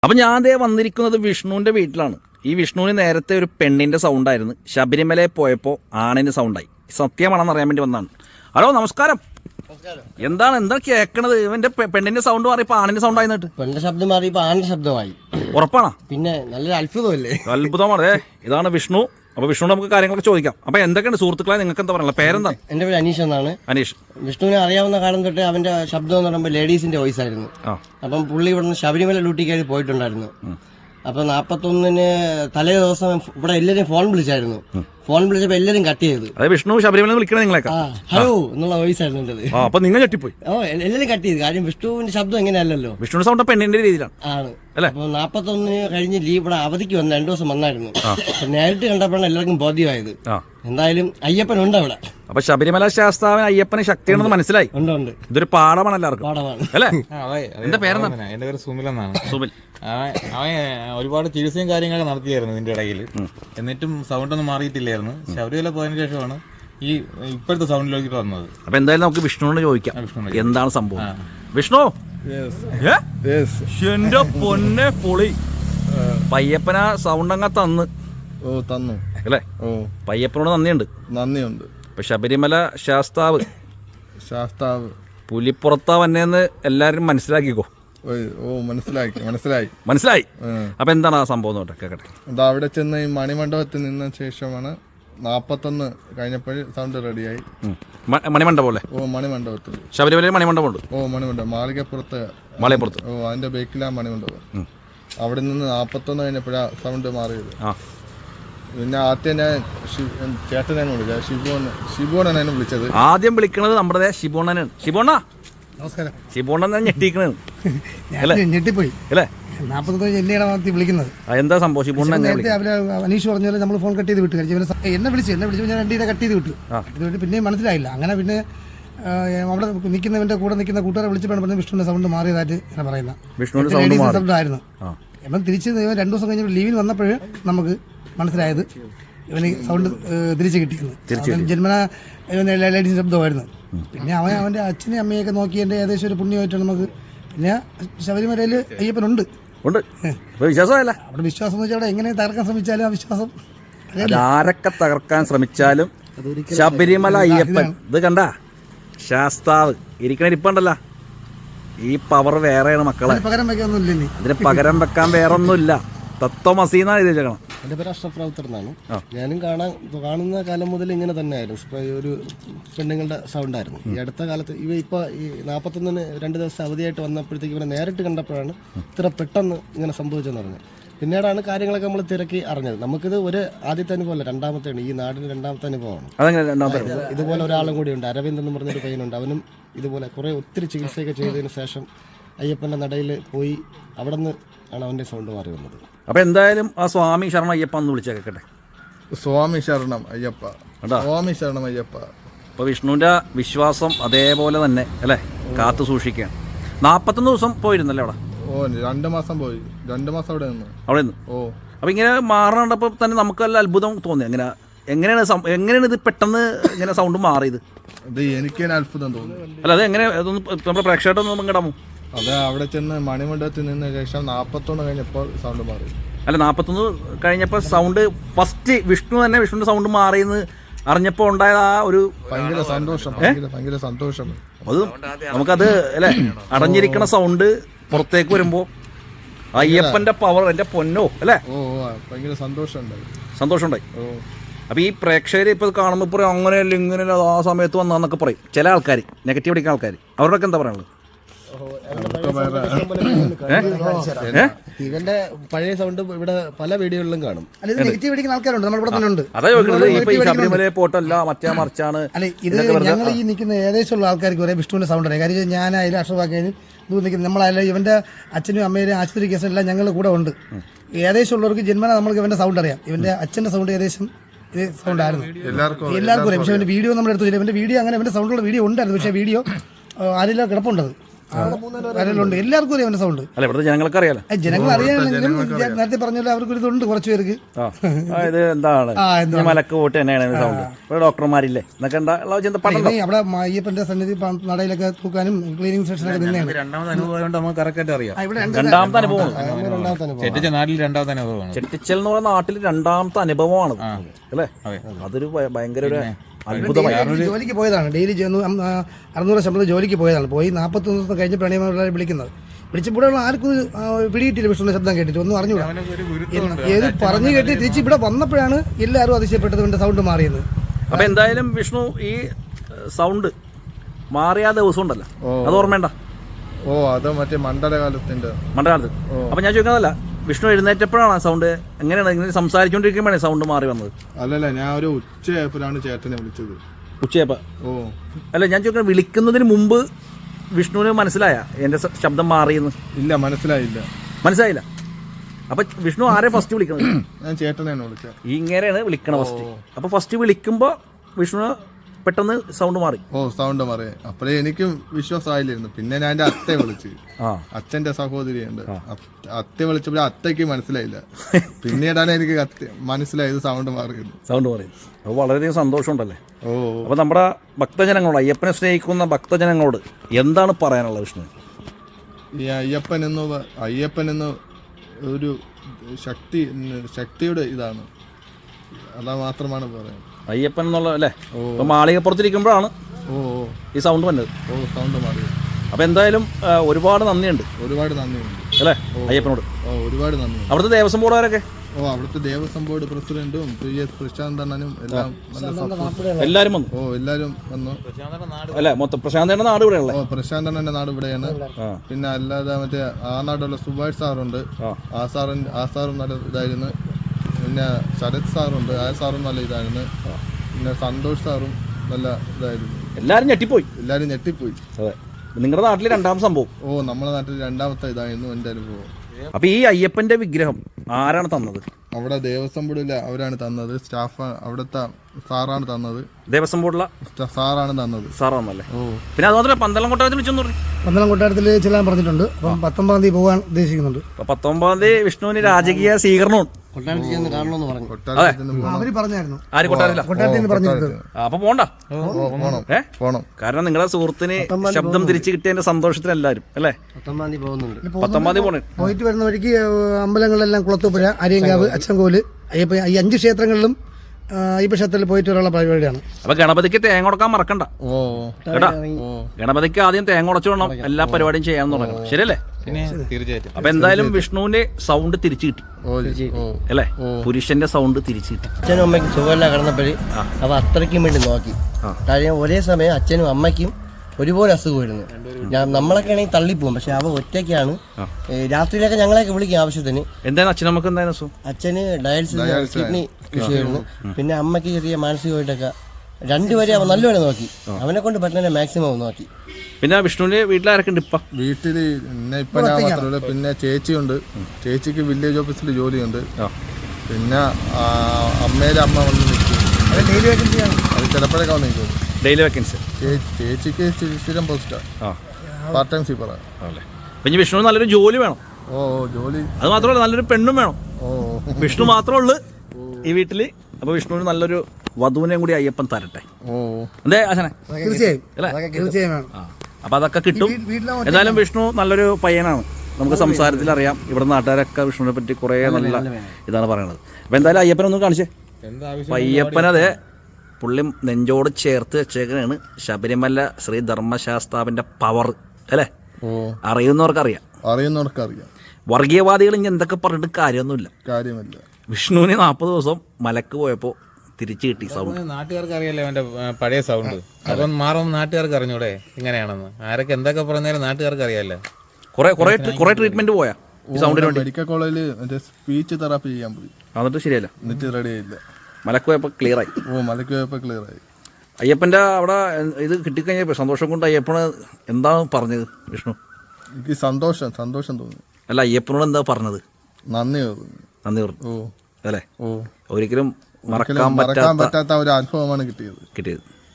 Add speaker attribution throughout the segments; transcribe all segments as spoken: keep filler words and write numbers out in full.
Speaker 1: അപ്പം ഞാൻ ദേ വന്നിരിക്കുന്നത് വിഷ്ണുവിൻ്റെ വീട്ടിലാണ്. ഈ വിഷ്ണുവിന് നേരത്തെ ഒരു പെണ്ണിൻ്റെ സൗണ്ടായിരുന്നു. ശബരിമലയിൽ പോയപ്പോൾ ആണിൻ്റെ സൗണ്ടായി. സത്യമാണെന്ന് അറിയാൻ വേണ്ടി വന്നതാണ്. ഹലോ, നമസ്കാരം. എന്താണ് എന്താ കേൾക്കണത്? ഇവന്റെ പെണ്ണിന്റെ സൗണ്ട് മാറി ഇപ്പൊ ആണിന്റെ സൗണ്ട് ആയിട്ട്
Speaker 2: പെണ്ണിന്റെ ശബ്ദം മാറി ഇപ്പൊ ആണിന്റെ ശബ്ദമായി.
Speaker 1: ഉറപ്പാണോ?
Speaker 2: പിന്നെ നല്ലൊരു അത്ഭുതമല്ലേ?
Speaker 1: അത്ഭുതമാണ്. ഇതാണ് വിഷ്ണു. അപ്പൊ വിഷ്ണുവിന് നമുക്ക് കാര്യങ്ങളൊക്കെ ചോദിക്കാം. അപ്പൊ എന്തൊക്കെയാണ് സുഹൃത്തുക്കളെ, നിങ്ങൾക്ക് എന്താ പറയുക? പേരെന്താ?
Speaker 2: എന്റെ പേര് അനീഷ് എന്നാണ്.
Speaker 1: അനീഷ്.
Speaker 2: വിഷ്ണുവിനെ അറിയാവുന്ന കാലം തൊട്ട് അവന്റെ ശബ്ദം എന്ന് പറയുമ്പോൾ ലേഡീസിന്റെ വോയിസ് ആയിരുന്നു. അപ്പം പുള്ളി ഇവിടുന്ന് ശബരിമല ഡ്യൂട്ടിക്കായി പോയിട്ടുണ്ടായിരുന്നു. അപ്പൊ നാപ്പത്തൊന്നിന് തലേ ദിവസം ഇവിടെ എല്ലാരും ഫോൺ വിളിച്ചായിരുന്നു. ഫോൺ വിളിച്ചപ്പോ എല്ലാരും കട്ട് ചെയ്തു.
Speaker 1: വിഷ്ണു ശബരിമല വിളിക്കണേ നിങ്ങളൊക്കെ
Speaker 2: ഹലോ എന്നുള്ള വോയിസ് ആയിരുന്നു എന്റെ.
Speaker 1: അപ്പൊ നിങ്ങൾ ഞെട്ടിപ്പോയി.
Speaker 2: ഓ, എല്ലാരും കട്ട് ചെയ്തു. കാര്യം വിഷ്ണുവിന്റെ ശബ്ദം എങ്ങനെയല്ലോ.
Speaker 1: വിഷ്ണുവിന്റെ സൗണ്ട് പെണ്ണിന്റെ രീതിയിലാണ്
Speaker 2: ആണ്. അപ്പൊ നാപ്പത്തൊന്നിന് കഴിഞ്ഞ് ലീവ് ഇവിടെ അവധിക്ക് വന്ന് രണ്ടു ദിവസം വന്നായിരുന്നു. നേരിട്ട് കണ്ടപ്പോഴാണ് എല്ലാവർക്കും ബോധ്യമായത്. എന്തായാലും അയ്യപ്പനുണ്ട് അവിടെ.
Speaker 1: അപ്പൊ ശബരിമല ശാസ്താവൻ അയ്യപ്പന് ശക്തിയാണെന്ന് മനസ്സിലായി.
Speaker 2: ഉണ്ട് ഉണ്ട്.
Speaker 1: ഇതൊരു പാഠമാണ് എല്ലാവർക്കും.
Speaker 2: പാഠമാണ്
Speaker 1: അല്ലേ?
Speaker 3: എന്റെ പേരെന്താ? എന്റെ പേര് സുമിൽ എന്നാണ്.
Speaker 1: സുമിൽ.
Speaker 3: അവൻ ഒരുപാട് ചികിത്സയും കാര്യങ്ങളൊക്കെ നടത്തിയായിരുന്നു ഇതിന്റെ ഇടയിൽ. എന്നിട്ടും സൗണ്ട് ഒന്നും മാറിയിട്ടില്ലായിരുന്നു. ശബരിമല പോയതിനു ശേഷമാണ് ഈ ഇപ്പോഴത്തെ സൗണ്ടിലേക്ക് വന്നത്.
Speaker 1: അപ്പൊ എന്തായാലും നമുക്ക് വിഷ്ണുവിനോട് ചോദിക്കാം എന്താണ് സംഭവം. വിഷ്ണു, എന്റെ പൊന്നെ പൊളി. പയ്യപ്പന സൗണ്ട് അങ്ങ തന്ന്.
Speaker 4: ഓ തന്നു
Speaker 1: അല്ലേ? ഓ, പയ്യപ്പനോട് നന്ദിയുണ്ട്.
Speaker 4: നന്ദിയുണ്ട്.
Speaker 1: ഇപ്പൊ ശബരിമല ശാസ്താവ്
Speaker 4: ശാസ്താവ്
Speaker 1: പുലിപ്പുറത്താ വന്നേന്ന് എല്ലാരും മനസ്സിലാക്കിക്കോ.
Speaker 4: ഓ മനസ്സിലാക്കി മനസ്സിലായി
Speaker 1: മനസ്സിലായി. അപ്പൊ എന്താണ് ആ സംഭവം കേട്ടെ?
Speaker 4: അത് അവിടെ ചെന്ന് ഈ മണിമണ്ഡപത്തിൽ നിന്ന ശേഷമാണ് നാപ്പത്തൊന്ന് കഴിഞ്ഞപ്പോൾ സൗണ്ട് റെഡിയായി.
Speaker 1: മണിമണ്ഡപം അല്ലേ?
Speaker 4: ഓ മണിമണ്ഡപത്തിൽ.
Speaker 1: ശബരിമലയിൽ മണിമണ്ഡപമുണ്ട്.
Speaker 4: ഓ മണിമണ്ഡപം മാളികപ്പുറത്ത്.
Speaker 1: മാളികപ്പുറത്ത്.
Speaker 4: ഓ അതിന്റെ ബേക്കിലാ മണിമണ്ഡപം. അവിടെ നിന്ന് നാപ്പത്തൊന്ന് കഴിഞ്ഞപ്പോഴാ സൗണ്ട് മാറിയത്. പിന്നെ ആദ്യം ഞാൻ ചേട്ടനാണ് വിളിച്ചത്. ഷിബോൺ ഷിബോണാണ് എന്നെ വിളിച്ചത്.
Speaker 1: ആദ്യം വിളിക്കണത് നമ്മുടെ ഷിബോണനാണ്. ഷിബോണ
Speaker 5: നമസ്കാരം.
Speaker 1: ഷിബോണ ഞെട്ടിക്കണത്
Speaker 5: ഞെട്ടിപ്പോയി
Speaker 1: അല്ലേ?
Speaker 5: നാൽപ്പത്തൊന്ന് ജില്ലയുടെ വിളിക്കുന്നത്
Speaker 1: എന്താ സംഭവം? ഷിബോണ
Speaker 5: നേരത്തെ അവര് അനീഷ് പറഞ്ഞാൽ നമ്മൾ ഫോൺ കട്ട് ചെയ്ത് വിട്ടു. കഴിച്ചു എന്നെ വിളിച്ചു എന്നെ വിളിച്ചു ഞാൻ രണ്ടീനെ കട്ട് ചെയ്ത് വിട്ടു. കട്ട് വിട്ട് പിന്നെ മനസ്സിലായില്ല. അങ്ങനെ പിന്നെ അവിടെ നിൽക്കുന്നവന്റെ കൂടെ നിൽക്കുന്ന കൂട്ടുകാരെ വിളിച്ചപ്പോഴാണ് പറഞ്ഞത് വിഷ്ണുവിന്റെ സൗണ്ട് മാറിയതായിട്ട് ഞാൻ പറയുന്നത്.
Speaker 1: വിഷ്ണുവിന്റെ
Speaker 5: സൗണ്ട് ആയിരുന്നു. എന്നാൽ തിരിച്ച് രണ്ടു ദിവസം കഴിഞ്ഞപ്പോൾ ലീവിൽ വന്നപ്പോഴേ നമുക്ക് മനസ്സിലായത് ഇവന് സൗണ്ട് തിരിച്ചു കിട്ടിയിരുന്നു. ജന്മന ലേഡീസ് ശബ്ദമായിരുന്നു. പിന്നെ അവൻ അവന്റെ അച്ഛനെയും അമ്മയൊക്കെ നോക്കി എൻ്റെ ഏകദേശം ഒരു പുണ്യമായിട്ടാണ് നമുക്ക്. പിന്നെ ശബരിമലയിൽ അയ്യപ്പനുണ്ട്.
Speaker 1: വിശ്വാസമല്ല.
Speaker 5: അവിടെ വിശ്വാസം എന്ന് വെച്ചാൽ അവിടെ എങ്ങനെ തകർക്കാൻ ശ്രമിച്ചാലും ആ വിശ്വാസം
Speaker 1: ആരൊക്കെ തകർക്കാൻ ശ്രമിച്ചാലും ശബരിമല അയ്യപ്പൻ ഇത് കണ്ട ശാസ്താവ് ഇരിക്കണ ഇരിപ്പുണ്ടല്ലോ. ഈ പവർ വേറെയാണ് മക്കളെ.
Speaker 5: പകരം വെക്കാനൊന്നുമില്ല.
Speaker 1: ഇതിന് പകരം വെക്കാൻ വേറെ ഒന്നുമില്ല. തത്വമസീന്നാണ് ഇത് വെച്ചേക്കണം.
Speaker 2: എൻ്റെ പേര് അഷ്റഫ് റൗത്തർ എന്നാണ്. ഞാനും കാണാൻ കാണുന്ന കാലം മുതൽ ഇങ്ങനെ തന്നെയായിരുന്നു. ഒരു പെണ്ണുങ്ങളുടെ സൗണ്ടായിരുന്നു. ഈ അടുത്ത കാലത്ത് ഇവ ഇപ്പോൾ ഈ നാൽപ്പത്തൊന്നിന് രണ്ട് ദിവസം അവധിയായിട്ട് വന്നപ്പോഴത്തേക്ക് ഇവരെ നേരിട്ട് കണ്ടപ്പോഴാണ് ഇത്ര പെട്ടെന്ന് ഇങ്ങനെ സംഭവിച്ചെന്ന് പറഞ്ഞത്. പിന്നീടാണ് കാര്യങ്ങളൊക്കെ നമ്മൾ തിരക്കി അറിഞ്ഞത്. നമുക്കിത് ഒരു ആദ്യത്തെ അനുഭവമല്ല, രണ്ടാമത്തെയാണ്. ഈ നാടിന് രണ്ടാമത്തെ അനുഭവമാണ്. ഇതുപോലെ ഒരാളും കൂടി ഉണ്ട്, അരവിന്ദ് എന്ന് പറഞ്ഞൊരു പയ്യനുണ്ട്. അവനും ഇതുപോലെ കുറേ ഒത്തിരി ചികിത്സയൊക്കെ ചെയ്തതിന് ശേഷം അയ്യപ്പൻ്റെ നടയിൽ പോയി അവിടെ നിന്ന് ആണ് അവൻ്റെ സൗണ്ട് മാറി വന്നത്.
Speaker 1: അപ്പൊ എന്തായാലും ആ സ്വാമി ശരണം അയ്യപ്പ എന്ന് വിളിച്ചേക്കട്ടെ.
Speaker 4: സ്വാമി ശരണം അയ്യപ്പ. സ്വാമി ശരണം അയ്യപ്പ.
Speaker 1: അപ്പൊ വിഷ്ണുവിന്റെ വിശ്വാസം അതേപോലെ തന്നെ അല്ലേ കാത്തു സൂക്ഷിക്കുകയാണ്. നാപ്പത്തൊന്ന് ദിവസം പോയിരുന്നല്ലേ അവിടെ?
Speaker 4: ഓ രണ്ടു മാസം പോയി. രണ്ടു മാസം അവിടെ നിന്ന്
Speaker 1: അവിടെ നിന്ന്.
Speaker 4: ഓ
Speaker 1: അപ്പൊ ഇങ്ങനെ മാറണപ്പോ തന്നെ നമുക്ക് നല്ല അത്ഭുതം തോന്നി. എങ്ങനെ എങ്ങനെയാണ് എങ്ങനെയാണ് ഇത് പെട്ടെന്ന് ഇങ്ങനെ സൗണ്ട് മാറിയത്?
Speaker 4: ഇത് എനിക്ക് തന്നെ അത്ഭുതം തോന്നി.
Speaker 1: അല്ല അത് എങ്ങനെ നമ്മുടെ പ്രേക്ഷകരൊന്നും പങ്കിടാമോ?
Speaker 4: അത് അവിടെ ചെന്ന് മണിമണ്ഡപത്തിൽ നിന്ന ശേഷം നാപ്പത്തൊന്ന് കഴിഞ്ഞപ്പോൾ സൗണ്ട് മാറി.
Speaker 1: അല്ല നാപ്പത്തൊന്ന് കഴിഞ്ഞപ്പോൾ സൗണ്ട് ഫസ്റ്റ് വിഷ്ണു തന്നെ വിഷ്ണുവിന്റെ സൗണ്ട് മാറിയെന്ന് അറിഞ്ഞപ്പോൾ ഉണ്ടായത് ആ ഒരു
Speaker 4: ഭയങ്കര സന്തോഷം. ഭയങ്കര സന്തോഷം.
Speaker 1: അത് നമുക്കത് അല്ലേ അടഞ്ഞിരിക്കണ സൗണ്ട് പുറത്തേക്ക് വരുമ്പോ അയ്യപ്പന്റെ പവർ എന്റെ പൊന്നോ അല്ലേ.
Speaker 4: ഓ ഭയങ്കര സന്തോഷം ഉണ്ടായി.
Speaker 1: സന്തോഷം ഉണ്ടായി.
Speaker 4: ഓ
Speaker 1: അപ്പൊ ഈ പ്രേക്ഷകർ ഇപ്പൊ കാണുമ്പോൾ പറയും അങ്ങനെയല്ല ഇങ്ങനെയല്ല ആ സമയത്ത് വന്നാന്നൊക്കെ പറയും ചില ആൾക്കാർ, നെഗറ്റീവ് അടിക്കുന്ന ആൾക്കാർ. അവരോടൊക്കെ എന്താ പറയാനുള്ളത്?
Speaker 2: ഇവന്റെ പഴയ സൗണ്ട് ഇവിടെ പല വീഡിയോകളിലും കാണും.
Speaker 5: നെഗറ്റീവ് അടിക്കുന്ന ആൾക്കാരുണ്ട് നമ്മുടെ ഇവിടെ തന്നെ ഉണ്ട്.
Speaker 1: അതാ ചോദിക്കുന്നത്. ഇപ്പൊ ഈ ശബരിമലയെ പോട്ടല്ല മറ്റേ മറിച്ചാണ്.
Speaker 5: അല്ലെ ഇത് ഞങ്ങൾ ഈ നിൽക്കുന്ന ഏകദേശമുള്ള ആൾക്കാർക്ക് ഒരേ വിഷ്ണുവിന്റെ സൗണ്ട് അറിയാം. കാര്യം ഞാനായാലും അഷ്റഫാക്കായാലും ഇത് നിൽക്കുന്നത് നമ്മളായാലും ഇവന്റെ അച്ഛനും അമ്മയും ആശുപത്രി കേസെല്ലാം ഞങ്ങൾ കൂടെ ഉണ്ട്. ഏകദേശം ഉള്ളവർക്ക് ജന്മന നമ്മൾക്ക് ഇവന്റെ സൗണ്ട് അറിയാം. ഇവന്റെ അച്ഛന്റെ സൗണ്ട് ഏകദേശം ഇത് സൗണ്ട് ആയിരുന്നു എല്ലാവർക്കും അറിയാം. പക്ഷെ ഇവന്റെ വീഡിയോ നമ്മൾ എടുത്തു. ഇവന്റെ വീഡിയോ അങ്ങനെ ഇവന്റെ സൗണ്ടുള്ള വീഡിയോ ഉണ്ടായിരുന്നു. പക്ഷേ വീഡിയോ ആരെല്ലാം കിടപ്പുണ്ടത് വരലുണ്ട്, എല്ലാവർക്കും അറിയാം അവന്റെ സൗണ്ട്.
Speaker 1: അല്ല ഇവിടുത്തെ ജനങ്ങൾക്ക് അറിയാലോ.
Speaker 5: ജനങ്ങൾ അറിയാമെങ്കിലും നേരത്തെ പറഞ്ഞല്ലോ അവർക്ക് ഇതുണ്ട് കുറച്ച് പേർക്ക്.
Speaker 1: ആ ഇത് എന്താണ്
Speaker 5: ആ, എന്താണ്?
Speaker 1: ഈ മലക്ക് പോയിട്ട് തന്നെയാണ് സൗണ്ട്. ഇവിടെ ഡോക്ടർമാരില്ലേ എന്നൊക്കെ എന്താ ചിന്ത പഠനം.
Speaker 5: പിന്നെ അവിടെ അയ്യപ്പന്റെ സന്നിധി പ- നടയിലൊക്കെ തൂക്കാനും ക്ലീനിങ് സെക്ഷനൊക്കെ നിന്നെയാണ്.
Speaker 3: രണ്ടാമത് അനുഭവം ആയതുകൊണ്ട് നമുക്ക് കറക്റ്റായിട്ട് അറിയാം.
Speaker 5: ആ, ഇവിടെ രണ്ട്
Speaker 1: രണ്ടാമത്തെ അനുഭവമാണ്
Speaker 2: രണ്ടാമത്തെ അനുഭവം.
Speaker 3: ചെട്ടിച്ച നാട്ടിൽ രണ്ടാമത്തെ അനുഭവമാണ്.
Speaker 1: ചെട്ടിച്ചൽ എന്ന് പറയുന്ന നാട്ടിൽ രണ്ടാമത്തെ അനുഭവമാണ് അല്ലേ. അതൊരു ഭയ- ഭയങ്കര ഒരു അത്ഭുതമായി.
Speaker 5: ഡെയിലി ജോലിക്ക് പോയതാണ്, ഡെയിലി ചെന്ന് അം- ആ, അറുന്നൂറ് ശമ്പളം ജോലിക്ക് പോയതാണ്. പോയി നാൽപ്പത്തൊന്ന് ദിവസം കഴിഞ്ഞപ്പോഴാണ് ഇവരെ വിളിക്കുന്നത്. വിളിച്ചപ്പോൾ ആർക്കും ഇത്, ആ, പിടിയിട്ടില്ല വിഷ്ണുവിന്റെ ശബ്ദം കേട്ടിട്ട് ഒന്നും അറിഞ്ഞൂടാ. ഏത് പറഞ്ഞു കേട്ട് തിരിച്ച് ഇവിടെ വന്നപ്പോഴാണ് എല്ലാവരും അതിശയപ്പെട്ടത് കൊണ്ട് സൗണ്ട് മാറിയത്.
Speaker 1: അപ്പൊ എന്തായാലും വിഷ്ണു ഈ സൗണ്ട് മാറിയ ആ ദിവസം ഉണ്ടല്ലോ, അത് ഓർമ്മയുണ്ട
Speaker 4: ഓ അത് മറ്റേ മണ്ഡലകാലത്തിന്റെ
Speaker 1: മണ്ടകാലത്ത്? അപ്പൊ ഞാൻ ചോദിക്കുന്നതല്ല, വിഷ്ണു എഴുന്നേറ്റപ്പോഴാണ് സൗണ്ട് എങ്ങനെയാണ് ഇങ്ങനെ സംസാരിച്ചുകൊണ്ടിരിക്കുമ്പോഴാണ് സൗണ്ട് മാറി വന്നത്?
Speaker 4: അല്ലല്ല ഞാൻ ഒരു ഉച്ചയായപ്പോഴാണ് ചേട്ടനെ വിളിച്ചത്.
Speaker 1: ഉച്ചയപ്പ
Speaker 4: ഓ
Speaker 1: അല്ല ഞാൻ ചോദിക്കുന്നത്, വിളിക്കുന്നതിന് മുമ്പ് വിഷ്ണുവിന് മനസ്സിലായ എന്റെ സ- ശബ്ദം മാറിയെന്ന്?
Speaker 4: ഇല്ല മനസ്സിലായില്ല.
Speaker 1: മനസ്സിലായില്ല. അപ്പൊ വിഷ്ണു ആരെ ഫസ്റ്റ് വിളിക്കുന്നത്?
Speaker 4: ഞാൻ ചേട്ടനെയാണ് വിളിച്ചത്.
Speaker 1: ഈ ഇങ്ങനെയാണ് വിളിക്കണ ഫസ്റ്റ്. അപ്പൊ ഫസ്റ്റ് വിളിക്കുമ്പോ വിഷ്ണു പെട്ടെന്ന് സൗണ്ട് മാറി.
Speaker 4: ഓ സൗണ്ട് മാറിയേ. അപ്പഴേ എനിക്കും വിശ്വാസമായില്ലായിരുന്നു. പിന്നെ ഞാൻ എന്റെ അത്തയെ വിളിച്ച്,
Speaker 1: ആ
Speaker 4: അച്ഛന്റെ സഹോദരിയുണ്ട്, അത്തയെ വിളിച്ചപ്പോൾ അത്തയ്ക്ക് മനസ്സിലായില്ല. പിന്നീടാണ് എനിക്ക് കത്ത് മനസ്സിലായത് സൗണ്ട് മാറിയത്.
Speaker 1: സൗണ്ട് മാറി. അപ്പോൾ വളരെയധികം സന്തോഷമുണ്ടല്ലേ.
Speaker 4: ഓ
Speaker 1: അപ്പോൾ നമ്മുടെ ഭക്തജനങ്ങളോട്, അയ്യപ്പനെ സ്നേഹിക്കുന്ന ഭക്തജനങ്ങളോട് എന്താണ് പറയാനുള്ളത് വിഷ്ണു?
Speaker 4: ഈ അയ്യപ്പൻ എന്ന് പ- അയ്യപ്പൻ എന്ന് ഒരു ശക്തി, ശക്തിയുടെ ഇതാണ്. അതാ മാത്രമാണ് പറയുന്നത്.
Speaker 1: അയ്യപ്പൻ എന്നുള്ള അല്ലേ. അപ്പോൾ മാളികപ്പുറത്തിരിക്കുമ്പോഴാണ്
Speaker 4: ഓ ഓ
Speaker 1: ഈ സൗണ്ട് വന്നത്.
Speaker 4: ഓ സൗണ്ട് മാറിയത്.
Speaker 1: അപ്പോൾ എന്തായാലും ആ, ഒരുപാട് നന്ദിയുണ്ട്
Speaker 4: ഒരുപാട് നന്ദിയുണ്ട്
Speaker 1: അല്ലേ അയ്യപ്പനോട്.
Speaker 4: ഓ ഒരുപാട് നന്ദിയുണ്ട്.
Speaker 1: അവിടുത്തെ ദേവസ്വം ബോർഡുകാരൊക്കെ,
Speaker 4: ഓ അവിടുത്തെ ദേവസ്വം ബോർഡ് പ്രസിഡന്റും പി എസ് പ്രശാന്ത് അണ്ണനും എല്ലാം നല്ല സപ്പോർട്ട്.
Speaker 1: എല്ലാവരും വന്നു
Speaker 4: ഓ എല്ലാരും വന്നു.
Speaker 1: അല്ലേ. മൊത്തം പ്രശാന്തയുടെ നാട് ഇവിടെ ഉള്ളത്.
Speaker 4: ഓ പ്രശാന്ത് അണ്ണന്റെ നാട് ഇവിടെയാണ്. പിന്നെ അല്ലാതെ മറ്റേ ആ നാടുള്ള സുഭാഷ് സാറുണ്ട്. ആ സാറിൻ ആ സാറും നല്ല ഇതായിരുന്നു. പിന്നെ ശരത് സാറുണ്ട്, ആ സാറും നല്ല ഇതായിരുന്നു. പിന്നെ സന്തോഷ് സാറും നല്ല ഇതായിരുന്നു.
Speaker 1: എല്ലാവരും ഞെട്ടിപ്പോയി.
Speaker 4: എല്ലാരും ഞെട്ടിപ്പോയി.
Speaker 1: അതെ. നിങ്ങളുടെ നാട്ടിൽ രണ്ടാമത്തെ സംഭവം.
Speaker 4: ഓ നമ്മുടെ നാട്ടിൽ രണ്ടാമത്തെ ഇതായിരുന്നു എൻ്റെ അനുഭവം.
Speaker 1: അപ്പോൾ ഈ അയ്യപ്പന്റെ വിഗ്രഹം ആരാണ് തന്നത്?
Speaker 4: അവിടെ ദേവസ്വം ബോർഡില്ല, അവരാണ് തന്നത്. സ്റ്റാഫ് അവിടുത്തെ സാറാണ് തന്നത്.
Speaker 1: ദേവസ്വം ബോർഡിലെ
Speaker 4: സാറാണ് തന്നത്.
Speaker 1: സാറാണല്ലേ.
Speaker 4: ഓ
Speaker 1: പിന്നെ അതുമാത്രമല്ല, പന്തളം കൊട്ടാരത്തിൽ വിളിച്ചെന്ന് പറഞ്ഞു.
Speaker 5: പന്തളം കൊട്ടാരത്തിൽ ചെല്ലാൻ പറഞ്ഞിട്ടുണ്ട്. അപ്പം പത്തൊമ്പതാം തീയതി പോകാൻ ഉദ്ദേശിക്കുന്നുണ്ട്.
Speaker 1: അപ്പോൾ പത്തൊമ്പതാം തീയതി വിഷ്ണുവിന് രാജകീയ സ്വീകരണവും.
Speaker 2: കൊട്ടാരത്തിൽ ചെന്ന് കാണണമെന്ന് പറഞ്ഞു.
Speaker 4: കൊട്ടാരത്തിന്
Speaker 5: അവര് പറഞ്ഞായിരുന്നു,
Speaker 1: ആര് കൊട്ടാരത്തില്ല?
Speaker 5: കൊട്ടാരത്തിൽ നിന്ന് പറഞ്ഞിരുന്നത്.
Speaker 1: അപ്പൊ പോണ്ട.
Speaker 4: പോണം
Speaker 1: ഏ
Speaker 4: പോണം.
Speaker 1: കാരണം നിങ്ങളുടെ സുഹൃത്തിന് ശബ്ദം തിരിച്ചു കിട്ടിയതിന്റെ സന്തോഷത്തിൽ എല്ലാവരും അല്ലേ.
Speaker 2: പത്തൊമ്പതാം തീയതി പോകുന്നുണ്ട്.
Speaker 1: പത്തൊമ്പതാം തീയതി പോണേ.
Speaker 5: പോയിട്ട് വരുന്ന വഴിക്ക് അമ്പലങ്ങളിലെല്ലാം കുളത്തൂപ്പുഴ, അരിയങ്കാവ്, അച്ചൻകോല്, അയ്യപ്പ ഈ അഞ്ച് ക്ഷേത്രങ്ങളിലും ആ, അയ്യപ്പ ക്ഷേത്രത്തിൽ പോയിട്ട് വരാനുള്ള പരിപാടിയാണ്.
Speaker 1: അപ്പൊ ഗണപതിക്ക് തേങ്ങ കൊടുക്കാൻ മറക്കണ്ട
Speaker 4: ഓ
Speaker 1: കേട്ടാ. ഗണപതിക്ക് ആദ്യം തേങ്ങ ഉടച്ചു വേണം എല്ലാ പരിപാടിയും ചെയ്യാൻ തുടങ്ങണം. ശരിയല്ലേ?
Speaker 3: പിന്നെ തീർച്ചയായിട്ടും
Speaker 1: അപ്പൊ എന്തായാലും വിഷ്ണുവിന്റെ സൗണ്ട് തിരിച്ചു കിട്ടി
Speaker 4: ഓ ഓ
Speaker 1: അല്ലേ. പുരുഷന്റെ സൗണ്ട് തിരിച്ചു കിട്ടി.
Speaker 2: അച്ഛനും അമ്മയ്ക്കും സുഖമില്ല കിടന്നപ്പോഴേ അവ അത്രയ്ക്കും വേണ്ടി നോക്കി. കാര്യം ഒരേ സമയം അച്ഛനും അമ്മയ്ക്കും ഒരുപോലെ അസുഖമായിരുന്നു. ഞാൻ നമ്മളൊക്കെ ആണെങ്കിൽ തള്ളിപ്പോകും, പക്ഷെ അവ ഒറ്റയ്ക്കാണ്. ഏ, രാത്രിയിലൊക്കെ ഞങ്ങളെയൊക്കെ വിളിക്കും ആവശ്യത്തിന്.
Speaker 1: എന്തായാലും അച്ഛൻ നമുക്ക് എന്തായാലും അസുഖം?
Speaker 2: അച്ഛന് ഡയാലിസിസ് കിഡ്നി വിഷയമായിരുന്നു. പിന്നെ അമ്മയ്ക്ക് ചെറിയ മാനസികമായിട്ടൊക്കെ രണ്ടുപേരെ അവൻ നല്ലവണ്ണം നോക്കി. അവനെ കൊണ്ട് പറ്റുന്ന മാക്സിമം നോക്കി.
Speaker 1: പിന്നെ വിഷ്ണുവിന്റെ വീട്ടിലാരൊക്കെ ഉണ്ട് ഇപ്പൊ?
Speaker 4: വീട്ടില് എന്നെ ഇപ്പൊ ഞാൻ മാത്രമല്ല, പിന്നെ ചേച്ചിയുണ്ട്. ചേച്ചിക്ക് വില്ലേജ് ഓഫീസിൽ ജോലിയുണ്ട്. പിന്നെ ആ, അമ്മയുടെ അമ്മ വന്ന് നിൽക്കും.
Speaker 5: ഡെയിലി വേക്കൻസിയാണ്.
Speaker 4: അത് ചിലപ്പോഴൊക്കെ വന്ന് നിൽക്കും.
Speaker 1: Daily vacancy.
Speaker 4: ചേച്ചിക്ക് സ്ഥി- സ്ഥിരം പോസ്റ്റാ,
Speaker 1: ആ
Speaker 4: പാർട്ട് ടൈം സീപ്പറാ.
Speaker 1: അല്ലേ. പിന്നെ വിഷ്ണുവിന് നല്ലൊരു ജോലി വേണം.
Speaker 4: ഓ ജോലി.
Speaker 1: അത് മാത്രമല്ല, നല്ലൊരു പെണ്ണും വേണം.
Speaker 4: ഓ
Speaker 1: വിഷ്ണു മാത്രമേ ഉള്ളു ഈ വീട്ടില്. അപ്പൊ വിഷ്ണുവിന് നല്ലൊരു വധുവിനെയും കൂടി അയ്യപ്പൻ തരട്ടെ.
Speaker 4: ഓ
Speaker 1: എന്തേ ആശനെ?
Speaker 5: തീർച്ചയായും
Speaker 1: അല്ലേ?
Speaker 5: തീർച്ചയായും വേണം.
Speaker 1: ആ അപ്പൊ അതൊക്കെ കിട്ടും.
Speaker 5: വീട്ടിലെ
Speaker 1: എന്തായാലും വിഷ്ണു നല്ലൊരു പയ്യനാണ്. നമുക്ക് സംസാരത്തിൽ അറിയാം. ഇവിടെ നാട്ടുകാരൊക്കെ വിഷ്ണുവിനെ പറ്റി കുറേ നല്ല ഇതാണ് പറയണത്. അപ്പൊ എന്തായാലും അയ്യപ്പനൊന്നും കാണിച്ചേ.
Speaker 3: എന്താവശ്യം
Speaker 1: അയ്യപ്പനത് പുള്ളി നെഞ്ചോട് ചേർത്ത് വെച്ചേക്കണാണ് ശബരിമല ശ്രീ ധർമ്മശാസ്താവിന്റെ പവർ അല്ലേ.
Speaker 4: ഓ
Speaker 1: അറിയുന്നവർക്കറിയാം,
Speaker 4: അറിയുന്നവർക്ക് അറിയാം.
Speaker 1: വർഗീയവാദികൾ ഇനി എന്തൊക്കെ പറഞ്ഞിട്ട് കാര്യമൊന്നുമില്ല.
Speaker 4: കാര്യമില്ല.
Speaker 1: വിഷ്ണുവിന് നാൽപ്പത് ദിവസം മലക്ക് പോയപ്പോൾ തിരിച്ചു കിട്ടി സൗണ്ട്.
Speaker 3: നാട്ടുകാർക്ക് അറിയാലോ അവന്റെ ആ, പഴയ സൗണ്ട്. അപ്പം മാറുമ്പോൾ നാട്ടുകാർക്ക് അറിഞ്ഞൂടെ ഇങ്ങനെയാണെന്ന്. ആരൊക്കെ എന്തൊക്കെ പറഞ്ഞാലും നാട്ടുകാർക്ക് അറിയാലോ.
Speaker 1: കുറെ കുറെ കുറെ ട്രീറ്റ്മെന്റ് പോയാ ഈ സൗണ്ടിന് വേണ്ടി.
Speaker 4: മെഡിക്കൽ കോളേജിൽ മറ്റേ സ്പീച്ച് തെറാപ്പി ചെയ്യാൻ പോയി.
Speaker 1: എന്നിട്ട് ശരിയല്ല.
Speaker 4: എന്നിട്ട് റെഡി ആയില്ല.
Speaker 1: മലക്ക് പോയപ്പോൾ ക്ലിയർ ആയി.
Speaker 4: ഓ മലക്ക് പോയപ്പോൾ ക്ലിയർ ആയി.
Speaker 1: അയ്യപ്പൻ്റെ അവിടെ ഇത് കിട്ടിക്കഴിഞ്ഞപ്പോൾ സന്തോഷം കൊണ്ട് അയ്യപ്പന് എന്താണ് പറഞ്ഞത് വിഷ്ണു?
Speaker 4: എനിക്ക് സന്തോഷം സന്തോഷം തോന്നി.
Speaker 1: അല്ല, അയ്യപ്പനോട് എന്താ പറഞ്ഞത്?
Speaker 4: നന്ദി തോന്നി.
Speaker 1: നന്ദി പറഞ്ഞു
Speaker 4: ഓ
Speaker 1: അല്ലേ.
Speaker 4: ഓ
Speaker 1: ഒരിക്കലും മറക്കാൻ
Speaker 4: മറക്കാൻ
Speaker 1: പറ്റാത്ത
Speaker 4: പറ്റാത്ത ഒരു അനുഭവമാണ് കിട്ടിയത്
Speaker 1: കിട്ടിയത്.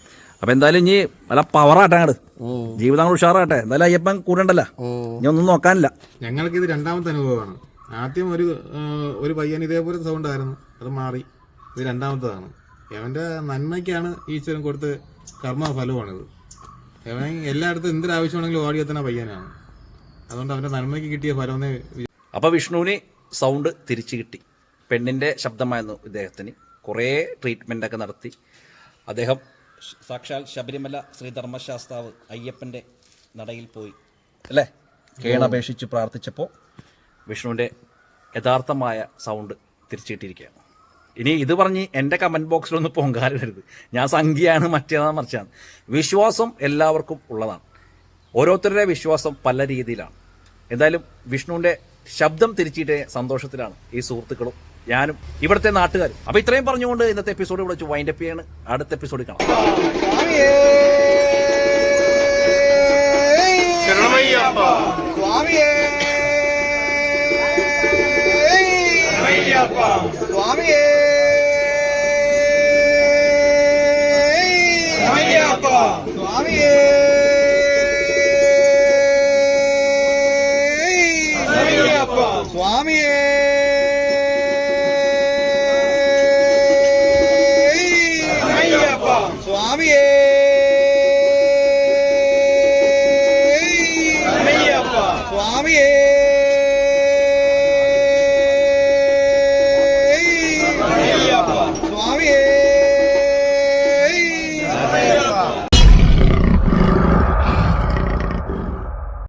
Speaker 1: അപ്പൊ എന്തായാലും ഇനി നല്ല പവറാട്ടെ അങ്ങോട്ട് ജീവിതം അങ്ങോട്ട് ഉഷാറാട്ടെ. എന്തായാലും അയ്യപ്പൻ കൂടെ ഉണ്ടല്ലോ, ഇനി ഒന്നും നോക്കാനില്ല.
Speaker 3: ഞങ്ങൾക്ക് ഇത് രണ്ടാമത്തെ അനുഭവമാണ്. ആദ്യം ഒരു ഒരു പയ്യൻ ഇതേപോലത്തെ സൗണ്ട് ആയിരുന്നു, അത് മാറി. ഇത് രണ്ടാമത്തതാണ്. അവന്റെ നന്മയ്ക്കാണ് ഈശ്വരൻ കൊടുത്ത് കർമ്മഫലമാണിത്. അവൻ എല്ലായിടത്തും എന്തൊരാവശ്യമാണെങ്കിലും ഓടിയെത്തുന്ന പയ്യനാണ്. അതുകൊണ്ട് അവന്റെ നന്മയ്ക്ക് കിട്ടിയ ഫലമെന്ന്.
Speaker 1: അപ്പോൾ വിഷ്ണുവിന് സൗണ്ട് തിരിച്ചു കിട്ടി. പെണ്ണിൻ്റെ ശബ്ദമായിരുന്നു ഇദ്ദേഹത്തിന്. കുറേ ട്രീറ്റ്മെൻറ്റൊക്കെ നടത്തി അദ്ദേഹം സാക്ഷാൽ ശബരിമല ശ്രീധർമ്മശാസ്താവ് അയ്യപ്പൻ്റെ നടയിൽ പോയി അല്ലേ കേണപേക്ഷിച്ച് പ്രാർത്ഥിച്ചപ്പോൾ വിഷ്ണുവിൻ്റെ യഥാർത്ഥമായ സൗണ്ട് തിരിച്ചു കിട്ടിയിരിക്കുകയാണ്. ഇനി ഇത് പറഞ്ഞ് എൻ്റെ കമൻറ്റ് ബോക്സിലൊന്നും പൊങ്കാലിടരുത്. ഞാൻ സംഖ്യയാണ് മറ്റേതാണ് മറിച്ചാണ്. വിശ്വാസം എല്ലാവർക്കും ഉള്ളതാണ്. ഓരോരുത്തരുടെ വിശ്വാസം പല രീതിയിലാണ്. എന്തായാലും വിഷ്ണുവിൻ്റെ ശബ്ദം തിരിച്ചിട്ടേ സന്തോഷത്തിലാണ് ഈ സുഹൃത്തുക്കളും ഞാനും ഇവിടുത്തെ നാട്ടുകാരും. അപ്പോൾ ഇത്രയും പറഞ്ഞുകൊണ്ട് ഇന്നത്തെ എപ്പിസോഡ് ഇവിടെ വെച്ച് വൈൻഡപ്പ് ചെയ്യാണ്. അടുത്ത എപ്പിസോഡിൽ കാണാം.
Speaker 6: സ്വാമിയേ സ്വാമിയേ സ്വാമിയേ